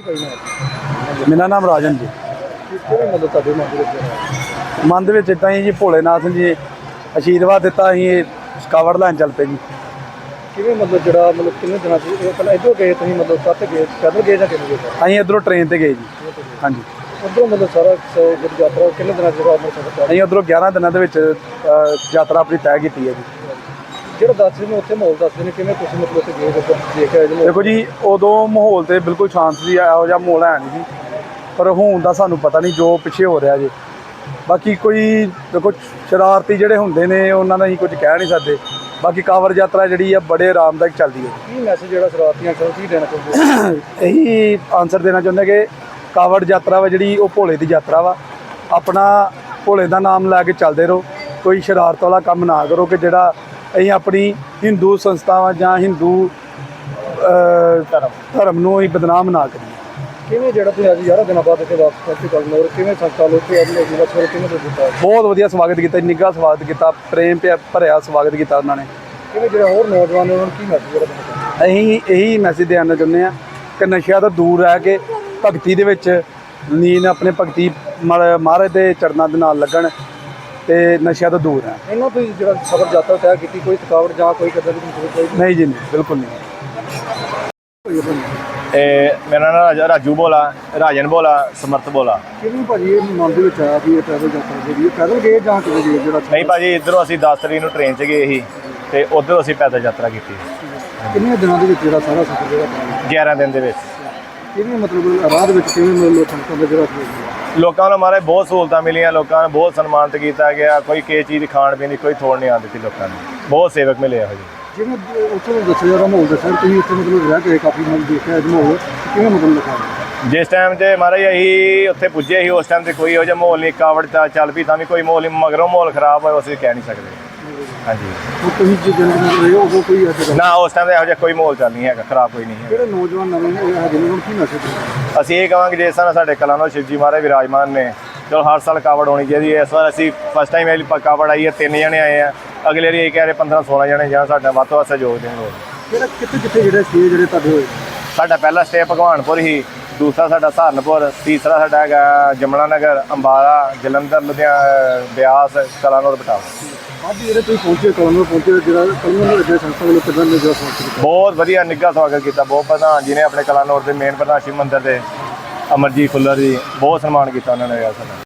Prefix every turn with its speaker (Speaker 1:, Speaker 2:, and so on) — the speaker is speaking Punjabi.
Speaker 1: ਮੇਰਾ ਨਾਮ ਰਾਜਨ ਜੀ। ਮਨ ਦੇ ਵਿੱਚ ਇੱਦਾਂ ਹੀ ਜੀ ਭੋਲੇਨਾਥ ਜੀ ਆਸ਼ੀਰਵਾਦ ਦਿੱਤਾ, ਅਸੀਂ ਕਾਵੜ ਲੈਣ ਚੱਲ ਪਏ ਜੀ।
Speaker 2: ਕਿਵੇਂ ਜਿਹੜਾ ਕਿੰਨੇ ਦਿਨਾਂ ਪਹਿਲਾਂ ਇੱਧਰੋਂ ਗਏ ਤੁਸੀਂ ਕੱਟ ਗਏ ਪੈਦਲ ਗਏ ਜਾਂ ਕਿਵੇਂ ਗਏ?
Speaker 1: ਅਸੀਂ ਇੱਧਰੋਂ ਟ੍ਰੇਨ 'ਤੇ ਗਏ ਜੀ। ਹਾਂਜੀ,
Speaker 2: ਉੱਧਰੋਂ ਸਾਰਾ ਯਾਤਰਾ ਕਿੰਨੇ ਦਿਨਾਂ
Speaker 1: ਅਸੀਂ ਉੱਧਰੋਂ 11 ਦਿਨਾਂ ਦੇ ਵਿੱਚ ਯਾਤਰਾ ਆਪਣੀ ਤੈਅ ਕੀਤੀ ਹੈ ਜੀ।
Speaker 2: ਜਿਹੜਾ ਦੱਸਦੇ ਨੇ ਉੱਥੇ ਮਾਹੌਲ ਦੱਸਦੇ ਨੇ, ਕਿਵੇਂ ਤੁਸੀਂ ਉੱਥੇ ਗਏ ਦੇਖ ਆਏ?
Speaker 1: ਦੇਖੋ ਜੀ, ਉਦੋਂ ਮਾਹੌਲ ਤੇ ਬਿਲਕੁਲ ਸ਼ਾਂਤ ਸੀ, ਇਹੋ ਜਿਹਾ ਮਾਹੌਲ ਹੈ ਨਹੀਂ ਸੀ, ਪਰ ਹੁਣ ਦਾ ਸਾਨੂੰ ਪਤਾ ਨਹੀਂ ਜੋ ਪਿੱਛੇ ਹੋ ਰਿਹਾ ਜੀ। ਬਾਕੀ ਕੋਈ ਦੇਖੋ ਸ਼ਰਾਰਤੀ ਜਿਹੜੇ ਹੁੰਦੇ ਨੇ ਉਹਨਾਂ ਦਾ ਅਸੀਂ ਕੁਝ ਕਹਿ ਨਹੀਂ ਸਕਦੇ। ਬਾਕੀ ਕਾਵੜ ਯਾਤਰਾ ਜਿਹੜੀ ਆ ਬੜੇ ਆਰਾਮਦਾਇਕ ਚੱਲਦੀ ਹੈ।
Speaker 2: ਕੀ ਮੈਸੇਜ ਜਿਹੜਾ ਸ਼ਰਾਰਤੀਆਂ ਨੂੰ ਕੀ ਦੇਣਾ ਚਾਹੁੰਦੇ?
Speaker 1: ਇਹੀ ਆਨਸਰ ਦੇਣਾ ਚਾਹੁੰਦੇ ਕਿ ਕਾਵੜ ਯਾਤਰਾ ਵਾ ਜਿਹੜੀ ਉਹ ਭੋਲੇ ਦੀ ਯਾਤਰਾ ਵਾ। ਆਪਣਾ ਭੋਲੇ ਦਾ ਨਾਮ ਲੈ ਕੇ ਚੱਲਦੇ ਰਹੋ, ਕੋਈ ਸ਼ਰਾਰਤ ਵਾਲਾ ਕੰਮ ਨਾ ਕਰੋ ਕਿ ਜਿਹੜਾ ਅਸੀਂ ਆਪਣੀ ਹਿੰਦੂ ਸੰਸਥਾਵਾਂ ਜਾਂ ਹਿੰਦੂ ਧਰਮ ਨੂੰ ਅਸੀਂ ਬਦਨਾਮ ਨਾ ਕਰੀਏ।
Speaker 2: ਕਿਵੇਂ ਜਿਹੜਾ ਤੁਸੀਂ ਅੱਜ 11 ਦਿਨਾਂ ਬਾਅਦ ਇੱਥੇ ਵਾਪਸ ਪਹੁੰਚੇ ਕਰਨ ਕਿਵੇਂ ਸੰਸਥਾ ਲੋਕੀ ਕਿਵੇਂ ਦਿੱਤਾ?
Speaker 1: ਬਹੁਤ ਵਧੀਆ ਸਵਾਗਤ ਕੀਤਾ, ਨਿੱਘਾ ਸਵਾਗਤ ਕੀਤਾ, ਪ੍ਰੇਮ ਭਰਿਆ ਸਵਾਗਤ ਕੀਤਾ ਉਹਨਾਂ ਨੇ।
Speaker 2: ਕਿਵੇਂ ਜਿਹੜਾ ਹੋਰ ਨੌਜਵਾਨ ਨੇ ਉਹਨਾਂ ਨੂੰ ਕੀ ਮੈਸੇਜ ਜਿਹੜਾ ਦੇਣਾ ਚਾਹੁੰਦੇ?
Speaker 1: ਅਸੀਂ ਇਹੀ ਮੈਸੇਜ ਦੇਣਾ ਚਾਹੁੰਦੇ ਹਾਂ ਕਿ ਨਸ਼ਿਆਂ ਤੋਂ ਦੂਰ ਰਹਿ ਕੇ ਭਗਤੀ ਦੇ ਵਿੱਚ ਲੀਨ ਆਪਣੇ ਭਗਤੀ ਮਹਾਰਾਜ ਦੇ ਚਰਨਾਂ ਦੇ ਨਾਲ ਲੱਗਣ ਤੇ ਨਸ਼ਿਆਂ ਤੋਂ ਦੂਰ ਰਹਿਣ।
Speaker 2: ਇਹਨਾਂ ਤੋਂ ਜਿਹੜਾ ਸਫ਼ਰ ਯਾਤਰਾ ਤੈਅ ਕੀਤੀ, ਕੋਈ ਥਕਾਵਟ ਜਾਂ ਕੋਈ ਕਦਰ
Speaker 1: ਨਹੀਂ ਜੀ, ਨਹੀਂ, ਬਿਲਕੁਲ ਨਹੀਂ।
Speaker 3: ਮੇਰਾ ਨਾਮ ਰਾਜੂ ਬੋਲਾ, ਰਾਜਨ ਬੋਲਾ, ਸਮਰਥ ਬੋਲਾ।
Speaker 2: ਕਿਵੇਂ ਭਾਜੀ ਇਹ ਮਨ ਦੇ ਵਿੱਚ ਆਇਆ ਵੀ ਇਹ ਪੈਦਲ ਯਾਤਰਾ ਜਿਹੜੀ ਪੈਦਲ ਗਏ ਜਾਂ ਕਿਵੇਂ ਗਏ? ਜਿਹੜਾ
Speaker 3: ਨਹੀਂ ਭਾਜੀ, ਇੱਧਰੋਂ ਅਸੀਂ 10 ਤਰੀਕ ਨੂੰ ਟ੍ਰੇਨ 'ਚ ਗਏ ਸੀ ਤੇ ਉੱਧਰੋਂ ਅਸੀਂ ਪੈਦਲ ਯਾਤਰਾ ਕੀਤੀ।
Speaker 2: ਕਿੰਨੇ ਦਿਨਾਂ ਦੇ ਵਿੱਚ ਜਿਹੜਾ ਸਾਰਾ ਸਫ਼ਰ ਜਿਹੜਾ
Speaker 3: 11 ਦਿਨ ਦੇ ਵਿੱਚ।
Speaker 2: ਕਿਵੇਂ ਰਾਹ ਦੇ ਵਿੱਚ ਕਿਵੇਂ ਸੰਗਤਾਂ ਦਾ ਜਿਹੜਾ
Speaker 3: ਲੋਕਾਂ ਨੂੰ ਮਾਰੇ ਬਹੁਤ ਸਹੂਲਤਾਂ ਮਿਲੀਆਂ, ਲੋਕਾਂ ਨੂੰ ਬਹੁਤ ਸਨਮਾਨਿਤ ਕੀਤਾ ਗਿਆ। ਕੋਈ ਕਿਸੇ ਚੀਜ਼ ਦੀ ਖਾਣ ਪੀਣ ਦੀ ਕੋਈ ਥੋੜ ਨਹੀਂ ਆਉਂਦੀ ਸੀ ਲੋਕਾਂ ਨੂੰ, ਬਹੁਤ ਸੇਵਕ ਮਿਲੇ ਇਹੋ ਜਿਹੇ।
Speaker 2: ਜਿਵੇਂ ਉੱਥੇ ਦੱਸਿਆ ਜਾ ਰਿਹਾ ਮਾਹੌਲ ਦੱਸਿਆ ਤੁਸੀਂ ਉੱਥੇ ਰਹਿ ਕੇ ਕਾਫੀ ਦੇਖਿਆ ਮਾਹੌਲ ਕਿਵੇਂ ਲਿਖਾ?
Speaker 3: ਜਿਸ ਟਾਈਮ 'ਤੇ ਮਹਾਰਾਜ ਅਸੀਂ ਉੱਥੇ ਪੁੱਜੇ ਸੀ ਉਸ ਟਾਈਮ 'ਤੇ ਕੋਈ ਇਹੋ ਜਿਹਾ ਮਾਹੌਲ ਨਹੀਂ। ਕਾਵੜ ਚੱਲ ਪਈ ਤਾਂ ਵੀ ਕੋਈ ਮਾਹੌਲ ਨਹੀਂ, ਮਗਰੋਂ ਮਾਹੌਲ ਖਰਾਬ ਹੋਇਆ ਅਸੀਂ ਕਹਿ ਨਹੀਂ ਸਕਦੇ। ਹਾਂਜੀ,
Speaker 2: ਤੁਸੀਂ ਜਿਹੜੇ ਉਦੋਂ ਕੋਈ
Speaker 3: ਨਾ ਉਸ ਟਾਈਮ 'ਤੇ ਇਹੋ ਜਿਹਾ ਕੋਈ ਮਾਹੌਲ ਚੱਲ ਨਹੀਂ ਹੈਗਾ, ਖਰਾਬ ਕੋਈ ਨਹੀਂ ਹੈ।
Speaker 2: ਜਿਹੜੇ ਨੌਜਵਾਨ ਨਵੇਂ ਜਿਹਨਾਂ ਨੂੰ ਕੀ ਮੈਸੇਜ?
Speaker 3: ਅਸੀਂ ਇਹ ਕਹਾਂਗੇ ਜਿਸ ਤਰ੍ਹਾਂ ਸਾਡੇ ਕਲਾਨੌਰ ਸ਼ਿਵ ਜੀ ਮਹਾਰਾਜ ਵਿਰਾਜਮਾਨ ਨੇ, ਚਲੋ ਹਰ ਸਾਲ ਕਾਵੜ ਹੋਣੀ ਚਾਹੀਦੀ ਹੈ। ਇਸ ਵਾਰ ਅਸੀਂ ਫਸਟ ਟਾਈਮ ਇਹ ਕਾਵੜ ਆਈ ਹੈ, 3 ਜਣੇ ਆਏ ਆ। ਅਗਲੇ ਵਾਰੀ ਇਹ ਕਹਿ ਰਹੇ 15-16 ਜਣੇ ਜਾਂ ਸਾਡਾ ਵੱਧ ਤੋਂ ਵੱਧ ਸਹਿਯੋਗ ਦੇਣ ਲੋਕ।
Speaker 2: ਕਿਹੜਾ ਕਿੱਥੇ ਜਿਹੜੇ ਸਟੇ ਜਿਹੜੇ ਤੁਹਾਡੇ ਹੋਏ?
Speaker 3: ਸਾਡਾ ਪਹਿਲਾ ਸਟੇ ਭਗਵਾਨਪੁਰ ਹੀ, ਦੂਸਰਾ ਸਾਡਾ ਸਹਾਰਨਪੁਰ, ਤੀਸਰਾ ਸਾਡਾ ਹੈਗਾ ਜਮਨਾ ਨਗਰ, ਅੰਬਾਲਾ, ਜਲੰਧਰ, ਲੁਧਿਆਣਾ, ਬਿਆਸ, ਕਲਾਨੌਰ, ਬਟਾਲਾ।
Speaker 2: ਅੱਜ ਜਿਹੜੇ ਤੁਸੀਂ ਪਹੁੰਚੇ ਕਲਾਨੌਰ ਪਹੁੰਚੇ, ਜਿਹੜਾ ਕਲਾਨੌਰ ਦੇ ਸੰਸਥਾ ਵੱਲੋਂ ਕਿੱਦਾਂ ਨਿੱਘਾ ਸਵਾਗਤ ਕੀਤਾ?
Speaker 3: ਬਹੁਤ ਵਧੀਆ ਨਿੱਘਾ ਸਵਾਗਤ ਕੀਤਾ। ਬਹੁਤ ਪ੍ਰਧਾਨ ਜੀ ਨੇ ਆਪਣੇ ਕਲਾਨੌਰ ਦੇ ਮੇਨ ਪ੍ਰਧਾਨ ਸ਼ਿਵ ਮੰਦਰ ਦੇ ਅਮਰਜੀਤ ਫੁੱਲਰ ਜੀ, ਬਹੁਤ ਸਨਮਾਨ ਕੀਤਾ ਉਹਨਾਂ ਨੇ ਸਾਡਾ।